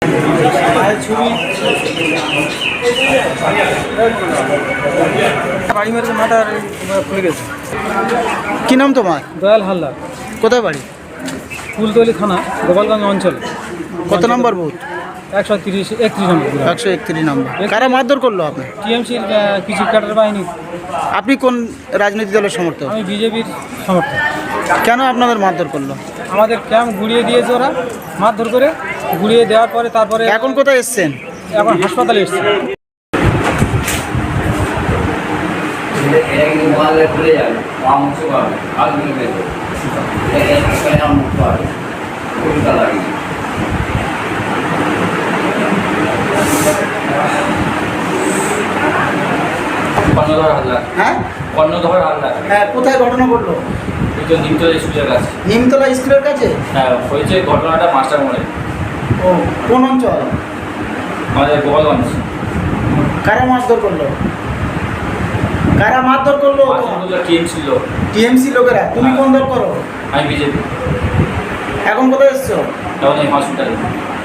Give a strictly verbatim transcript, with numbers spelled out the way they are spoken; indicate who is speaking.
Speaker 1: বাড়ি মেরেছে, মাথা খুলে গেছে।
Speaker 2: কি নাম তোমার?
Speaker 1: দয়াল হালদার।
Speaker 2: কোথায় বাড়ি?
Speaker 1: ফুলতলি থানা, গোপালগঞ্জ অঞ্চলে।
Speaker 2: কত নম্বর বুথ?
Speaker 1: একশো তিরিশ একত্রিশ নম্বর।
Speaker 2: একশো একত্রিশ নম্বর। কারা মারধর করলো আপনি?
Speaker 1: টিএমসির কিছু ক্যাডার বাহিনী।
Speaker 2: আপনি কোন রাজনৈতিক দলের সমর্থক?
Speaker 1: আমি বিজেপির সমর্থক।
Speaker 2: কেন আপনাদের মারধর করলো?
Speaker 1: আমাদের ক্যাম্প ঘুরিয়ে দিয়েছে ওরা, মারধর করে ঘুরিয়ে দেওয়ার পরে তারপরে
Speaker 2: এখন কোথায় এসছেন?
Speaker 1: এখন হাসপাতালে এসছে।
Speaker 3: কর্ণধর হালদার।
Speaker 2: হ্যাঁ,
Speaker 3: কর্ণধর হালদার।
Speaker 2: হ্যাঁ, কোথায় ঘটনা ঘটলো?
Speaker 3: ওই তো নিমতলা স্কুলের কাছে।
Speaker 2: নিমতলা স্কুলের কাছে?
Speaker 3: হ্যাঁ, হয়েছে ঘটনাটা মাস্টার মোড়ে।
Speaker 2: ও, কোন অঞ্চল?
Speaker 3: আমাদের গোপালগঞ্জ।
Speaker 2: কারা মারধর করলো? কারা মারধর করলো?
Speaker 3: টিএম ছিল।
Speaker 2: টিএমসি লোকেরা। তুমি কোন দল করো?
Speaker 3: আমি বিজেপি।
Speaker 2: এখন কোথায় এসছো?
Speaker 3: তখন এই হসপিটালে।